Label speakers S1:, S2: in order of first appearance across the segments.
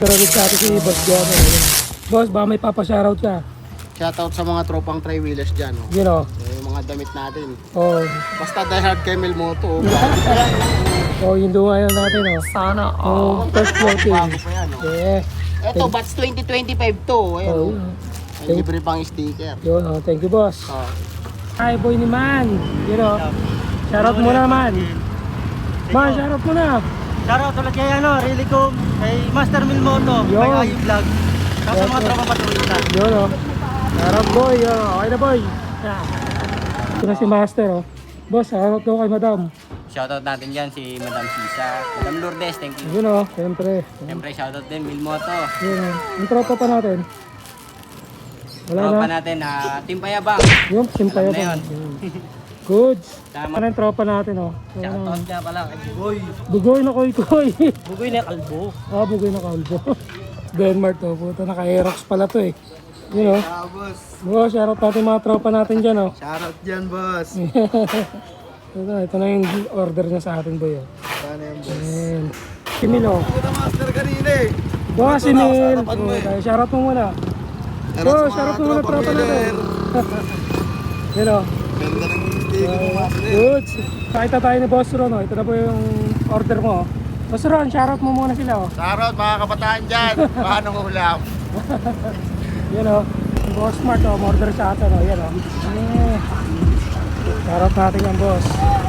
S1: Pero ulit sa atin si Boss John. Boss, baka may papashoutout ka.
S2: Shoutout sa mga tropang tri-wheelers dyan. Oh.
S1: You know.
S2: Yung mga damit natin.
S1: Oh.
S2: Basta diehard Camel Moto.
S1: Oh, yung lunga yan natin, oh.
S3: Sana.
S1: Oh, first floating.
S2: Bago pa yan. Oh.
S1: Yeah.
S2: Ito, batch 2025 to. Ayan,
S1: Oh,
S2: oh. May libre pang sticker.
S1: yun, oh. Thank you, boss.
S2: Oh.
S1: Hi, boy ni Man. You know. Shoutout mo na, Man. Man, shoutout mo na.
S3: Shoutout ulit kay Really Cool, kay Master Milmoto,
S1: Yo.
S3: kay Ayu Vlog. Sa mga tropa patrolita.
S1: Yun, oh. Shoutout, boy. Okay na, boy. Yeah. Ito na si Master, oh. Boss, shoutout daw kay Madam.
S4: Shoutout natin dyan si Madam Sisa, Madam Lourdes, thank you.
S1: Yun, oh. Siyempre.
S4: Siyempre shoutout din Milmoto.
S1: Yun, oh. Yung tropa pa natin. Wala
S4: Tropa
S1: na.
S4: natin Team Payabang.
S1: Yung simpay
S4: Alam na
S1: pa.
S4: yun.
S1: Goods.
S4: Tama.
S1: Ano yung tropa natin, oh.
S4: Shoutout nga pala kay Boy.
S1: Bugoy na koy-koy.
S3: Bugoy na kalbo.
S1: Ah, bugoy na kalbo. Denmark to. Puta, naka-aerox pala to eh. You know.
S2: boss.
S1: Boss, shoutout natin mga tropa natin dyan, oh.
S2: Shoutout dyan, boss.
S1: Ito na yung order niya sa atin, boy, oh.
S2: Sana yan, boss.
S1: Ayan. Si Mil, oh.
S2: Puta master kanina eh.
S1: Boss, si Mil.
S2: harapan mo eh.
S1: Shoutout mo muna. Boss, shoutout mo muna tropa natin. You know.
S2: Ganda ng sticker mo, master.
S1: Goods. Pakita tayo ni Boss Ron, oh. Ito na po yung order mo, oh. Boss Ron, shoutout mo muna sila, oh.
S2: Shoutout mga kabataan dyan. Paano ulam?
S1: Yan o, yung Boss Smart o, order sa atin o, yan o. Shoutout natin yan, boss.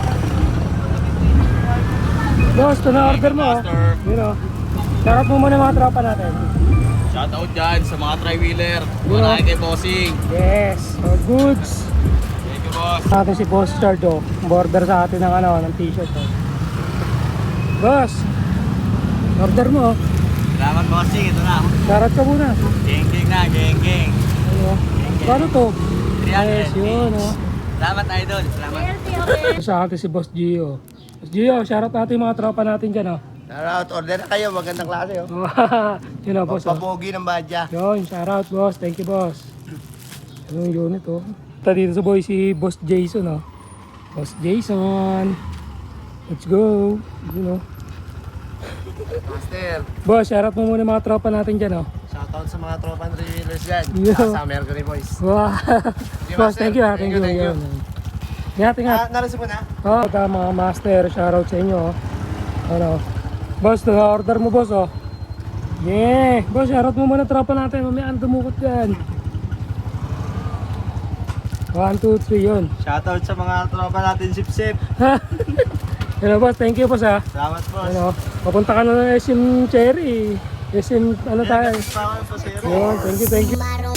S1: Boss, ito na order mo o. Yan o. Shoutout mo muna mga tropa natin.
S4: Shoutout dyan sa mga tri-wheeler.
S1: Wala
S4: kay Bossing.
S1: Yes, o, goods.
S4: Thank you, boss.
S1: Natin si Boss Chard o, order sa atin ng, ano, ng t-shirt o. Boss, order mo o.
S4: Salamat, Bossing. Ito na.
S1: Shoutout ka muna.
S4: Geng-geng na, geng-geng.
S1: Ano, paano to?
S4: 300.
S1: Yes, yun o.
S4: Salamat, idol. Salamat.
S1: Sa atin si Boss Gio. Boss Gio, shoutout natin yung mga tropa natin dyan o.
S2: Shoutout, order na kayo. Magandang klase, oh.
S1: Yun o, boss o.
S2: Papogi ng badya.
S1: Yun, shoutout boss. Thank you, boss. Yung unit, oh. Ito dito sa boy si Boss Jason, oh. Boss Jason. Let's go. You know.
S2: Master,
S1: Boss, shoutout mo muna mga tropa natin dyan, oh.
S2: shoutout sa mga tropang tri-wheelers dyan.
S1: Yo.
S2: Sa Mercury Boys.
S1: Wow. Boss, thank you, ha. Thank you.
S2: Thank you.
S1: Yun. Ingat, ingat.
S2: Nalasip mo na?
S1: Oh, ito mga master, shoutout sa inyo, oh. Ano. Boss, order mo, boss, oh. Yeah. Boss, shoutout mo muna tropa natin. Mamaya ang dumukot dyan. 1, 2, 3, yun.
S3: Shoutout sa mga tropa natin, sip-sip.
S1: Hello, boss. Thank you, boss, ha.
S3: Salamat, boss.
S1: Ano, papunta ka na ng SM Cherry. SM, ano tayo?
S3: Salamat po, sir.
S1: Yun, thank you, thank you.